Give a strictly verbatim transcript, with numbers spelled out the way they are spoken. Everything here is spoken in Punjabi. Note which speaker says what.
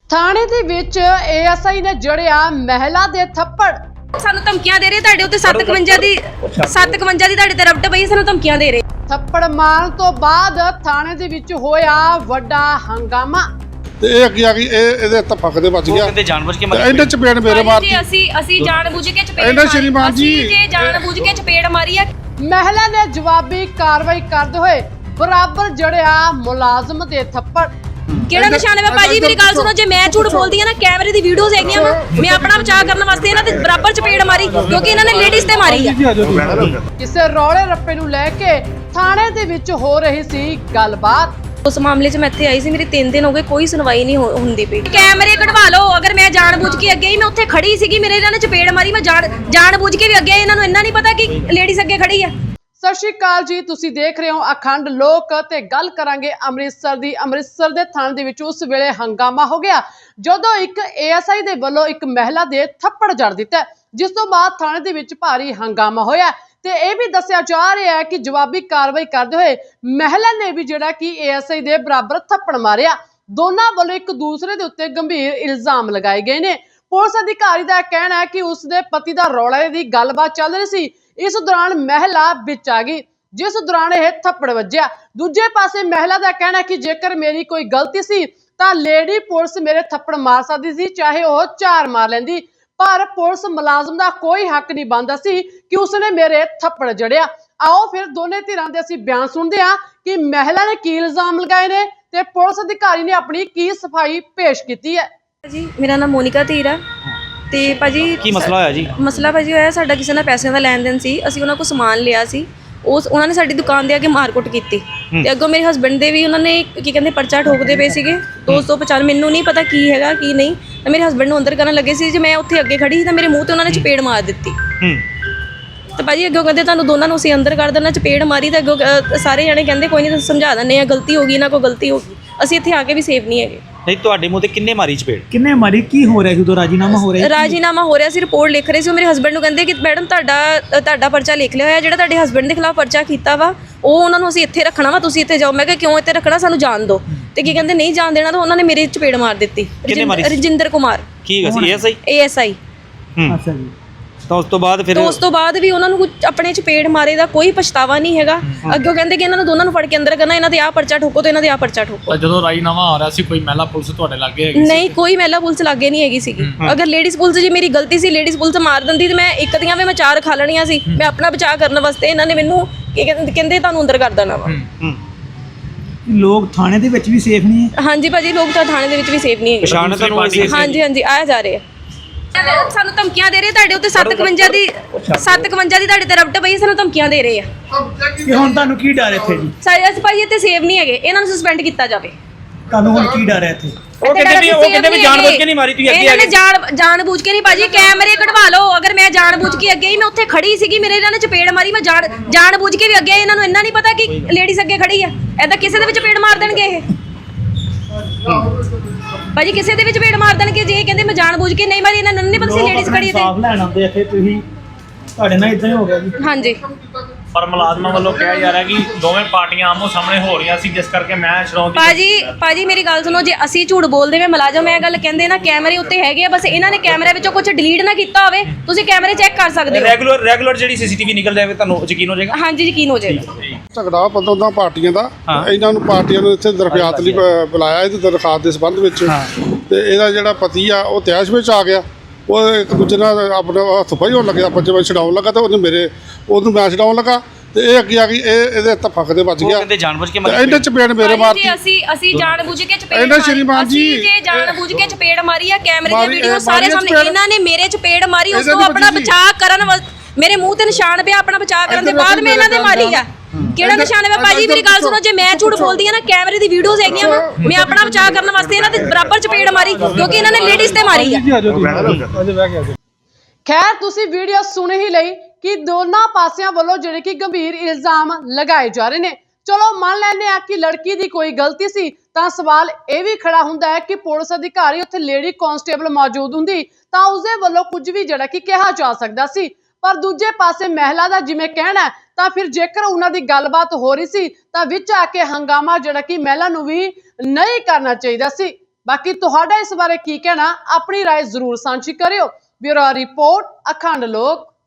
Speaker 1: थाने ਦੇ ਵਿੱਚ ਏਐਸਆਈ ਨੇ ਜੜਿਆ ਮਹਿਲਾ ਦੇ ਥੱਪੜ।
Speaker 2: ਸਾਨੂੰ ਧਮਕੀਆਂ ਦੇ ਰਹੇ ਤੁਹਾਡੇ ਉੱਤੇ ਸੱਤ ਸੌ ਇਕਵੰਜਾ ਦੀ ਸੱਤ ਸੌ ਇਕਵੰਜਾ ਦੀ ਤੁਹਾਡੇ ਤੇ ਰਬਟ ਪਈ, ਸਾਨੂੰ ਧਮਕੀਆਂ ਦੇ ਰਹੇ।
Speaker 1: ਥੱਪੜ ਮਾਰਨ ਤੋਂ ਬਾਅਦ ਥਾਣੇ ਦੇ ਵਿੱਚ ਹੋਇਆ ਵੱਡਾ ਹੰਗਾਮਾ।
Speaker 3: ਤੇ ਇਹ ਅੱਗੇ ਆ ਗਈ, ਇਹ ਇਹਦੇ ਤਫਕ ਦੇ ਵੱਜ ਗਿਆ।
Speaker 4: ਕਹਿੰਦੇ ਜਾਣਬੁੱਝ ਕੇ
Speaker 3: ਤੇ ਇਹਨੇ ਚਪੇੜ ਮੇਰੇ ਮਾਰਤੀ।
Speaker 2: ਜੀ ਅਸੀਂ ਅਸੀਂ ਜਾਣਬੁੱਝ ਕੇ ਚਪੇੜ
Speaker 3: ਇਹਨਾਂ ਸ਼੍ਰੀਮਾਨ ਜੀ
Speaker 2: ਅਸੀਂ ਜੇ ਜਾਣਬੁੱਝ ਕੇ ਚਪੇੜ ਮਾਰੀ ਆ।
Speaker 1: ਮਹਿਲਾ ਨੇ ਜਵਾਬੀ ਕਾਰਵਾਈ ਕਰਦੇ ਹੋਏ ਬਰਾਬਰ ਜੜਿਆ ਮੁਲਾਜ਼ਮ ਦੇ ਥੱਪੜ।
Speaker 2: ਕਿਹੜਾ ਨਿਸ਼ਾਨ ਹੈ ਭਾਜੀ? ਮੇਰੀ ਗੱਲ ਸੁਣੋ, ਜੇ ਮੈਂ ਝੂਠ ਬੋਲਦੀ ਆ ਨਾ, ਕੈਮਰੇ ਦੀ ਵੀਡੀਓਜ਼ ਹੈਗੀਆਂ ਵਾ, ਮੈਂ ਆਪਣਾ ਬਚਾਅ ਕਰਨ ਵਾਸਤੇ ਇਹਨਾਂ ਦੇ ਬਰਾਬਰ ਚਪੇੜ ਮਾਰੀ ਕਿਉਂਕਿ ਇਹਨਾਂ ਨੇ ਲੇਡੀਜ਼ ਤੇ ਮਾਰੀ ਆ।
Speaker 1: ਕਿਸੇ ਰੌਲੇ ਰੱਪੇ ਨੂੰ ਲੈ ਕੇ ਥਾਣੇ ਦੇ ਵਿੱਚ ਹੋ ਰਹੀ ਸੀ ਗੱਲਬਾਤ।
Speaker 2: ਉਸ ਮਾਮਲੇ 'ਚ ਮੈਂ ਇੱਥੇ ਆਈ ਸੀ, ਮੇਰੀ ਤਿੰਨ ਦਿਨ ਹੋ ਗਏ, ਕੋਈ ਸੁਣਵਾਈ ਨਹੀਂ ਹੁੰਦੀ ਪਈ। ਕੈਮਰੇ ਕਢਵਾ ਲਓ। ਅਗਰ ਮੈਂ ਜਾਣਬੁੱਝ ਕੇ ਅੱਗੇ ਹੀ ਮੈਂ ਉੱਥੇ ਖੜੀ ਸੀਗੀ, ਮੇਰੇ ਇਹਨਾਂ ਨੇ ਚਪੇੜ ਮਾਰੀ, ਮੈਂ ਜਾਣ ਜਾਣਬੁੱਝ ਕੇ ਵੀ ਅੱਗੇ ਆਈ। ਇਹਨਾਂ ਨੂੰ ਇੰਨਾ ਨਹੀਂ ਪਤਾ ਕਿ ਲੇਡੀਜ਼ ਅੱਗੇ ਖੜੀ ਆ।
Speaker 1: ਸਤਿ ਸ਼੍ਰੀ ਅਕਾਲ ਜੀ, ਤੁਸੀਂ ਦੇਖ ਰਹੇ ਹੋ ਅਖੰਡ ਲੋਕ ਤੇ ਗੱਲ ਕਰਾਂਗੇ ਅੰਮ੍ਰਿਤਸਰ ਦੀ। ਅੰਮ੍ਰਿਤਸਰ ਦੇ ਥਾਣੇ ਦੇ ਵਿੱਚ ਉਸ ਵੇਲੇ ਹੰਗਾਮਾ ਹੋ ਗਿਆ ਜਦੋਂ ਇੱਕ ਏਐਸਆਈ ਦੇ ਵੱਲੋਂ ਇੱਕ ਮਹਿਲਾ ਦੇ ਥੱਪੜ ਜੜ ਦਿੱਤਾ, ਜਿਸ ਤੋਂ ਬਾਅਦ ਥਾਣੇ ਦੇ ਵਿੱਚ ਭਾਰੀ ਹੰਗਾਮਾ ਹੋਇਆ ਤੇ ਇਹ ਵੀ ਦੱਸਿਆ ਜਾ ਰਿਹਾ ਹੈ ਕਿ ਜਵਾਬੀ ਕਾਰਵਾਈ ਕਰਦੇ ਹੋਏ ਮਹਿਲਾ ਨੇ ਵੀ ਜਿਹੜਾ ਕਿ ਏਐਸਆਈ ਦੇ ਬਰਾਬਰ ਥੱਪੜ ਮਾਰਿਆ। ਦੋਨਾਂ ਵੱਲੋਂ ਇੱਕ ਦੂਸਰੇ ਦੇ ਉੱਤੇ ਗੰਭੀਰ ਇਲਜ਼ਾਮ ਲਗਾਏ ਗਏ ਨੇ। ਪੁਲਿਸ ਅਧਿਕਾਰੀ ਦਾ ਕਹਿਣਾ ਹੈ ਕਿ ਉਸ ਦੇ ਪਤੀ ਦਾ ਰੌਲੇ ਦੀ ਗੱਲਬਾਤ ਚੱਲ ਰਹੀ ਸੀ, ਇਸ ਦੌਰਾਨ ਮਹਿਲਾ ਵਿੱਚ ਆ ਗਈ, ਜਿਸ ਦੌਰਾਨ ਇਹ ਥੱਪੜ ਵੱਜਿਆ। ਦੂਜੇ ਪਾਸੇ ਮਹਿਲਾ ਦਾ ਕਹਿਣਾ ਹੈ ਕਿ ਜੇਕਰ ਮੇਰੀ ਕੋਈ ਗਲਤੀ ਸੀ ਤਾਂ ਲੇਡੀ ਪੁਲਿਸ ਮੇਰੇ ਥੱਪੜ ਮਾਰ ਸਕਦੀ ਸੀ, ਚਾਹੇ ਉਹ ਚਾਰ ਮਾਰ ਲੈਂਦੀ, ਪਰ ਪੁਲਿਸ ਮੁਲਾਜ਼ਮ ਦਾ ਕੋਈ ਹੱਕ ਨਹੀਂ ਬਣਦਾ ਸੀ ਕਿ ਉਸਨੇ ਮੇਰੇ ਥੱਪੜ ਜੜਿਆ। ਆਓ ਫਿਰ ਦੋਨੇ ਧਿਰਾਂ ਦੇ ਅਸੀਂ ਬਿਆਨ ਸੁਣਦੇ ਹਾਂ ਕਿ ਮਹਿਲਾ ਨੇ ਕੀ ਇਲਜ਼ਾਮ ਲਗਾਏ ਨੇ ਤੇ ਪੁਲਿਸ ਅਧਿਕਾਰੀ ਨੇ ਆਪਣੀ ਕੀ ਸਫਾਈ ਪੇਸ਼ ਕੀਤੀ ਹੈ।
Speaker 2: ਜੀ ਮੇਰਾ ਨਾਮ ਮੋਨਿਕਾ ਧੀਰ ਆ ਤੇ ਭਾਜੀ
Speaker 4: ਕੀ ਮਸਲਾ ਹੋਇਆ ਜੀ?
Speaker 2: ਮਸਲਾ ਭਾਜੀ ਹੋਇਆ, ਸਾਡਾ ਕਿਸੇ ਨਾਲ ਪੈਸਿਆਂ ਦਾ ਲੈਣ ਦੇਣ ਸੀ। ਅਸੀਂ ਉਹਨਾਂ ਕੋਲ ਸਮਾਨ ਲਿਆ ਸੀ, ਉਸ ਉਹਨਾਂ ਨੇ ਸਾਡੀ ਦੁਕਾਨ ਦੇ ਅੱਗੇ ਮਾਰਕੁੱਟ ਕੀਤੀ ਤੇ ਅੱਗੋਂ ਮੇਰੇ ਹਸਬੈਂਡ ਦੇ ਵੀ ਉਹਨਾਂ ਨੇ ਕੀ ਕਹਿੰਦੇ ਪਰਚਾ ਠੋਕਦੇ ਪਏ ਸੀਗੇ ਦੋ ਸੌ ਪਚਾਨਵੇਂ। ਮੈਨੂੰ ਨਹੀਂ ਪਤਾ ਕੀ ਹੈਗਾ ਕੀ ਨਹੀਂ, ਤਾਂ ਮੇਰੇ ਹਸਬੈਂਡ ਨੂੰ ਅੰਦਰ ਕਰਨ ਲੱਗੇ ਸੀ। ਜੇ ਮੈਂ ਉੱਥੇ ਅੱਗੇ ਖੜੀ ਸੀ ਤਾਂ ਮੇਰੇ ਮੂੰਹ ਤੇ ਉਹਨਾਂ ਨੇ ਚਪੇੜ ਮਾਰ ਦਿੱਤੀ ਤੇ ਭਾਜੀ ਅੱਗੋਂ ਕਹਿੰਦੇ ਤੁਹਾਨੂੰ ਦੋਨਾਂ ਨੂੰ ਅਸੀਂ ਅੰਦਰ ਕਰ ਦੇਣਾ। ਚਪੇੜ ਮਾਰੀ ਤਾਂ ਅੱਗੋਂ ਸਾਰੇ ਜਣੇ ਕਹਿੰਦੇ ਕੋਈ ਨਹੀਂ ਤੁਸੀਂ ਸਮਝਾ ਦਿੰਦੇ ਆ, ਗਲਤੀ ਹੋ ਗਈ, ਇਹਨਾਂ ਕੋਲ ਗਲਤੀ ਹੋ ਗਈ। ਅਸੀਂ ਇੱਥੇ ਆ ਕੇ ਵੀ ਸੇਫ ਨਹੀਂ ਹੈਗੇ।
Speaker 4: ਨਹੀਂ, ਤੁਹਾਡੇ ਮੂੰਹ ਤੇ ਕਿੰਨੇ ਮਾਰੀ ਚਪੇੜ?
Speaker 5: ਕਿੰਨੇ ਮਾਰੀ? ਕੀ ਹੋ ਰਿਹਾ ਸੀ ਉਦੋਂ? ਰਾਜੀਨਾਮਾ ਹੋ ਰਿਹਾ?
Speaker 2: ਰਾਜੀਨਾਮਾ ਹੋ ਰਿਹਾ ਸੀ, ਰਿਪੋਰਟ ਲਿਖ ਰਹੇ ਸੀ। ਉਹ ਮੇਰੇ ਹਸਬੈਂਡ ਨੂੰ ਕਹਿੰਦੇ ਕਿ ਮੈਡਮ ਤੁਹਾਡਾ ਤੁਹਾਡਾ ਪਰਚਾ ਲਿਖ ਲਿਆ ਹੋਇਆ, ਜਿਹੜਾ ਤੁਹਾਡੇ ਹਸਬੈਂਡ ਦੇ ਖਿਲਾਫ ਪਰਚਾ ਕੀਤਾ ਵਾ ਉਹ ਉਹਨਾਂ ਨੂੰ ਅਸੀਂ ਇੱਥੇ ਰੱਖਣਾ ਵਾ, ਤੁਸੀਂ ਇੱਥੇ ਜਾਓ। ਮੈਂ ਕਿਹਾ ਕਿਉਂ ਇੱਥੇ ਰੱਖਣਾ, ਸਾਨੂੰ ਜਾਣ ਦਿਓ। ਤੇ ਕੀ ਕਹਿੰਦੇ ਨਹੀਂ ਜਾਣ ਦੇਣਾ, ਤਾਂ ਉਹਨਾਂ ਨੇ ਮੇਰੇ ਚਪੇੜ ਮਾਰ ਦਿੱਤੀ। ਰਜਿੰਦਰ ਕੁਮਾਰ
Speaker 4: ਕੀ ਸੀ? ਏਐਸਆਈ
Speaker 2: ਏਐਸਆਈ
Speaker 5: ਅੱਛਾ ਜੀ।
Speaker 4: ਤਾਂ ਉਸ ਤੋਂ ਬਾਅਦ ਫਿਰ
Speaker 2: ਉਸ ਤੋਂ ਬਾਅਦ ਵੀ ਉਹਨਾਂ ਨੂੰ ਕੁਝ ਆਪਣੇ ਚਪੇੜ ਮਾਰੇ ਦਾ ਕੋਈ ਪਛਤਾਵਾ ਨਹੀਂ ਹੈਗਾ। ਅੱਗੇ ਕਹਿੰਦੇ ਕਿ ਇਹਨਾਂ ਨੂੰ ਦੋਨਾਂ ਨੂੰ ਫੜ ਕੇ ਅੰਦਰ ਕਰਨਾ, ਇਹਨਾਂ ਦੇ ਆਹ ਪਰਚਾ ਠੋਕੋ ਤੇ ਇਹਨਾਂ ਦੇ ਆਹ ਪਰਚਾ ਠੋਕੋ।
Speaker 6: ਜਦੋਂ ਰਾਜੀਨਾਮਾ ਆ ਰਿਹਾ ਸੀ ਕੋਈ ਮਹਿਲਾ ਪੁਲਿਸ ਤੁਹਾਡੇ ਲਾਗੇ ਹੈਗੀ?
Speaker 2: ਨਹੀਂ, ਕੋਈ ਮਹਿਲਾ ਪੁਲਿਸ ਲਾਗੇ ਨਹੀਂ ਹੈਗੀ ਸੀਗੀ। ਅਗਰ ਲੇਡੀਜ਼ ਪੁਲਿਸ ਜੀ ਮੇਰੀ ਗਲਤੀ ਸੀ, ਲੇਡੀਜ਼ ਪੁਲਿਸ ਮਾਰ ਦਿੰਦੀ ਤੇ ਮੈਂ ਇੱਕ ਦੀਆਂ ਵੀ ਮੈਂ ਚਾਰ ਖਾ ਲੈਣੀਆਂ ਸੀ। ਮੈਂ ਆਪਣਾ ਬਚਾਅ ਕਰਨ ਵਾਸਤੇ ਇਹਨਾਂ ਨੇ ਮੈਨੂੰ ਕੀ ਕਹਿੰਦੇ ਕਹਿੰਦੇ ਤੁਹਾਨੂੰ ਅੰਦਰ ਕਰ ਦੇਣਾ ਵਾ।
Speaker 5: ਲੋਕ ਥਾਣੇ ਦੇ ਵਿੱਚ ਵੀ ਸੇਫ ਨਹੀਂ ਹੈ?
Speaker 2: ਹਾਂਜੀ ਭਾਜੀ, ਲੋਕ ਤਾਂ ਥਾਣੇ ਦੇ ਵਿੱਚ ਵੀ ਸੇਫ ਨਹੀਂ ਹੈਗੇ।
Speaker 4: ਪਛਾਣ ਤੁਹਾਨੂੰ?
Speaker 2: ਹਾਂਜੀ ਹਾਂਜੀ, ਆਇਆ ਜਾ ਰਹੇ ਆ। ਸਾਨੂੰ ਧਮਕੀਆਂ ਦੇ ਰਹੇ ਤੁਹਾਡੇ ਉੱਤੇ ਸੱਤ ਸੌ ਇਕਵੰਜਾ ਦੀ ਸੱਤ ਸੌ ਇਕਵੰਜਾ ਦੀ ਤੁਹਾਡੇ ਤੇ ਰਬਟ ਪਈ, ਸਾਨੂੰ ਧਮਕੀਆਂ ਦੇ ਰਹੇ ਆ।
Speaker 5: ਕਿ ਹੁਣ ਤੁਹਾਨੂੰ ਕੀ ਡਰ ਇੱਥੇ ਜੀ?
Speaker 2: ਸਾਰੇ ਅਸੀਂ ਭਾਜੀ ਇੱਥੇ ਸੇਫ ਨਹੀਂ ਹੈਗੇ, ਇਹਨਾਂ ਨੂੰ ਸਸਪੈਂਡ ਕੀਤਾ ਜਾਵੇ।
Speaker 5: ਤੁਹਾਨੂੰ ਹੁਣ ਕੀ ਡਰ ਹੈ ਇੱਥੇ?
Speaker 4: ਉਹ ਕਹਿੰਦੇ ਵੀ ਉਹ ਕਹਿੰਦੇ ਵੀ ਜਾਣਬੁੱਝ ਕੇ ਨਹੀਂ ਮਾਰੀ, ਤੁਸੀਂ ਅੱਗੇ ਆ
Speaker 2: ਗਏ। ਜਾਣ ਜਾਣਬੁੱਝ ਕੇ ਨਹੀਂ ਭਾਜੀ, ਕੈਮਰੇ ਕਢਵਾ ਲਓ। ਅਗਰ ਮੈਂ ਜਾਣਬੁੱਝ ਕੇ ਅੱਗੇ ਹੀ ਮੈਂ ਉੱਥੇ ਖੜੀ ਸੀਗੀ, ਮੇਰੇ ਇਹਨਾਂ ਨੇ ਚਪੇੜ ਮਾਰੀ, ਮੈਂ ਜਾਣ ਜਾਣਬੁੱਝ ਕੇ ਵੀ ਅੱਗੇ ਆਈ। ਇਹਨਾਂ ਨੂੰ ਇੰਨਾ ਨਹੀਂ ਪਤਾ ਕਿ ਲੇਡੀਜ਼ ਅੱਗੇ ਖੜੀ ਆ। ਐਦਾਂ ਕਿਸੇ ਦੇ ਵਿੱਚ ਚਪੇੜ ਮਾਰ ਦੇਣਗੇ ਇਹ ਭਾਜੀ, ਕਿਸੇ ਦੇ ਵਿੱਚ ਚਪੇੜ ਮਾਰ ਦੇਣਗੇ ਜੇ ਕਹਿੰਦੇ ਮੈਂ ਜਾਣਬੁੱਝ ਕੇ ਨਹੀਂ ਮਾਰੀ। ਇਹਨਾਂ ਨੂੰ ਨਹੀਂ ਪਤਾ ਸੀ ਲੇਡੀਜ਼ ਖੜੀ ਤੇ
Speaker 5: ਸਾਫ ਲੈਣ ਆਉਂਦੇ ਇੱਥੇ, ਤੁਸੀਂ ਤੁਹਾਡੇ ਨਾਲ ਇਦਾਂ ਹੀ ਹੋ ਗਿਆ ਜੀ?
Speaker 2: ਹਾਂਜੀ,
Speaker 6: ਪਰ ਮੁਲਾਜ਼ਮਾਂ ਵੱਲੋਂ ਕਿਹਾ ਜਾ ਰਿਹਾ ਕਿ ਦੋਵੇਂ ਪਾਰਟੀਆਂ ਆਮੋ ਸਾਹਮਣੇ ਹੋ ਰਹੀਆਂ ਸੀ, ਜਿਸ ਕਰਕੇ ਮੈਂ ਸ਼ਰੌਂ ਦੀ
Speaker 2: ਭਾਜੀ ਭਾਜੀ ਮੇਰੀ ਗੱਲ ਸੁਣੋ, ਜੇ ਅਸੀਂ ਝੂਠ ਬੋਲਦੇ ਵੇ ਮੁਲਾਜ਼ਮ ਇਹ ਗੱਲ ਕਹਿੰਦੇ ਨਾ ਕੈਮਰੇ ਉੱਤੇ ਹੈਗੇ ਆ, ਬਸ ਇਹਨਾਂ ਨੇ ਕੈਮਰੇ ਵਿੱਚੋਂ ਕੁਝ ਡਿਲੀਟ ਨਾ ਕੀਤਾ ਹੋਵੇ, ਤੁਸੀਂ ਕੈਮਰੇ ਚੈੱਕ ਕਰ ਸਕਦੇ ਹੋ।
Speaker 4: ਰੈਗੂਲਰ ਰੈਗੂਲਰ ਜਿਹੜੀ ਸੀਸੀਟੀਵੀ ਨਿਕਲ ਜਾਵੇ ਤੁਹਾਨੂੰ ਯਕੀਨ ਹੋ ਜਾਏਗਾ?
Speaker 2: ਹਾਂਜੀ, ਯਕੀਨ ਹੋ ਜਾਏਗਾ।
Speaker 3: ਝਗੜਾ ਪੰਦਰਾਂ ਪਾਰਟੀਆਂ ਦਾ, ਇਹਨਾਂ ਨੂੰ ਪਾਰਟੀਆਂ ਨੂੰ ਇੱਥੇ ਦਰਖਾਸਤ ਲਈ ਬੁਲਾਇਆ। ਇਹਦੀ ਦਰਖਾਸਤ ਦੇ ਸੰਬੰਧ ਵਿੱਚ ਤੇ ਇਹਦਾ ਜਿਹੜਾ ਪਤੀ ਆ ਉਹ ਤੈਸ਼ ਵਿੱਚ ਆ ਗਿਆ। ਉਹ ਇੱਕ ਦੂਜੇ ਨਾਲ ਆਪਣਾ ਹੱਥ ਫਾਈ ਹੋਣ ਲੱਗਿਆ, ਪੰਜ ਵਜੇ ਛਡਾਉਣ ਲੱਗਾ ਤੇ ਉਹਨੇ ਮੇਰੇ ਉਹਨੂੰ ਮੈਂ ਛਡਾਉਣ ਲੱਗਾ ਤੇ ਇਹ ਅੱਗੇ ਆ ਗਈ, ਇਹ ਇਹਦੇ ਤਫਕ ਦੇ ਵੱਜ ਗਿਆ।
Speaker 4: ਕਹਿੰਦੇ ਜਾਣਬੁੱਝ ਕੇ
Speaker 3: ਮਾਰੀ, ਇਹਨੇ ਚਪੇੜ ਮੇਰੇ ਮਾਰਤੀ।
Speaker 2: ਅਸੀਂ ਅਸੀਂ ਜਾਣਬੁੱਝ ਕੇ ਚਪੇੜ
Speaker 3: ਇਹਨਾਂ ਸ਼੍ਰੀਮਾਨ ਜੀ
Speaker 2: ਜੇ ਜਾਣਬੁੱਝ ਕੇ ਚਪੇੜ ਮਾਰੀ ਆ, ਕੈਮਰੇ ਦੀ ਵੀਡੀਓ ਸਾਰੇ ਸਾਹਮਣੇ। ਇਹਨਾਂ ਨੇ ਮੇਰੇ ਚਪੇੜ ਮਾਰੀ, ਉਸ ਤੋਂ ਆਪਣਾ ਬਚਾਅ ਕਰਨ, ਮੇਰੇ ਮੂੰਹ ਤੇ ਨਿਸ਼ਾਨ ਪਿਆ, ਆਪਣਾ ਬਚਾਅ ਕਰਨ ਦੇ ਬਾਅਦ ਮੈਂ ਇਹਨਾਂ ਦੇ ਮਾਰੀ ਆ। ਕਿਹੜਾ ਨਿਸ਼ਾਨ ਹੈ ਭਾਜੀ? ਮੇਰੀ ਗੱਲ ਸੁਣੋ, ਜੇ ਮੈਂ ਝੂਠ ਬੋਲਦੀ ਆ ਨਾ, ਕੈਮਰੇ ਦੀ ਵੀਡੀਓਜ਼ ਹੈਗੀਆਂ ਵਾ, ਮੈਂ ਆਪਣਾ ਬਚਾਅ ਕਰਨ ਵਾਸਤੇ ਇਹਨਾਂ ਦੇ ਬਰਾਬਰ ਚਪੇੜ ਮਾਰੀ ਕਿਉਂਕਿ ਇਹਨਾਂ ਨੇ ਲੇਡੀਜ਼ ਤੇ ਮਾਰੀ ਆ।
Speaker 1: ਖੈਰ, ਤੁਸੀਂ ਵੀਡੀਓ ਸੁਣ ਹੀ ਲਈ ਕਿ ਦੋਨਾਂ ਪਾਸਿਆਂ ਵੱਲੋਂ ਜਿਹੜੇ ਕਿ ਗੰਭੀਰ ਇਲਜ਼ਾਮ ਲਗਾਏ ਜਾ ਰਹੇ ਨੇ। ਚਲੋ ਮੰਨ ਲੈਂਦੇ ਆ ਕਿ ਲੜਕੀ ਦੀ ਕੋਈ ਗਲਤੀ ਸੀ, ਤਾਂ ਸਵਾਲ ਇਹ ਵੀ ਖੜਾ ਹੁੰਦਾ ਹੈ ਕਿ ਪੁਲਿਸ ਅਧਿਕਾਰੀ ਉੱਥੇ ਲੇਡੀ ਕਾਂਸਟੇਬਲ ਮੌਜੂਦ ਹੁੰਦੀ ਤਾਂ ਉਸਦੇ ਵੱਲੋਂ ਕੁਝ ਵੀ ਜਿਹੜਾ ਕਿ ਕਿਹਾ ਜਾ ਸਕਦਾ ਸੀ। ਪਰ ਦੂਜੇ ਪਾਸੇ ਮਹਿਲਾ ਦਾ ਜਿਵੇਂ ਕਹਿਣਾ ਤਾਂ ਫਿਰ ਜੇਕਰ ਉਹਨਾਂ ਦੀ ਗੱਲਬਾਤ ਹੋ ਰਹੀ ਸੀ ਤਾਂ ਵਿੱਚ ਆ ਕੇ ਹੰਗਾਮਾ ਜਿਹੜਾ ਕਿ ਮਹਿਲਾ ਨੂੰ ਵੀ ਨਹੀਂ ਕਰਨਾ ਚਾਹੀਦਾ ਸੀ। ਬਾਕੀ ਤੁਹਾਡਾ ਇਸ ਬਾਰੇ ਕੀ ਕਹਿਣਾ, ਆਪਣੀ ਰਾਏ ਜ਼ਰੂਰ ਸਾਂਝੀ ਕਰਿਓ। ਬਿਊਰੋ ਰਿਪੋਰਟ, ਅਖੰਡ ਲੋਕ।